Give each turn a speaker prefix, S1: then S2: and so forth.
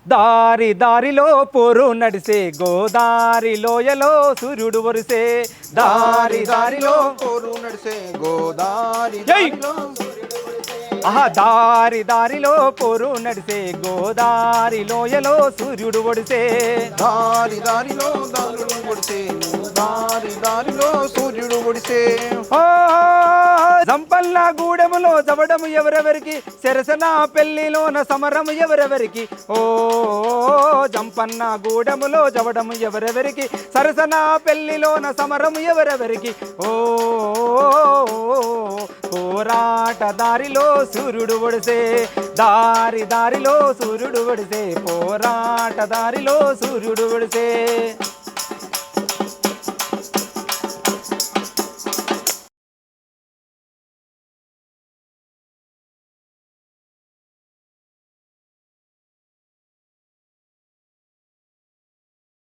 S1: దారి దారిలో పోరు నడిసే గోదారి లోయలో సూర్యుడు వరిసే దారి దారిలో
S2: పోరు నడిసే గోదారి
S1: ఆహా దారి దారిలో పోరు నడిసే గోదారి లోయలో సూర్యుడు ఒడిసే
S2: దారి దారిలో దారులు ఒడిసే దారి దారిలో సూర్యుడు ఒడిసే
S1: జంపల్ల గూడెములో జవడము ఎవరెవరికి సరసన పెళ్లిలోన సమరము ఎవరెవరికి ఓ జంపన్న గూడెములో జవడము ఎవరెవరికి సరసన పెళ్లిలోన సమరము ఎవరెవరికి ఓ పోరాట దారిలో సూర్యుడు ఒడిసే దారి దారిలో సూర్యుడు ఒడిసే పోరాట దారిలో సూర్యుడు ఒడిసే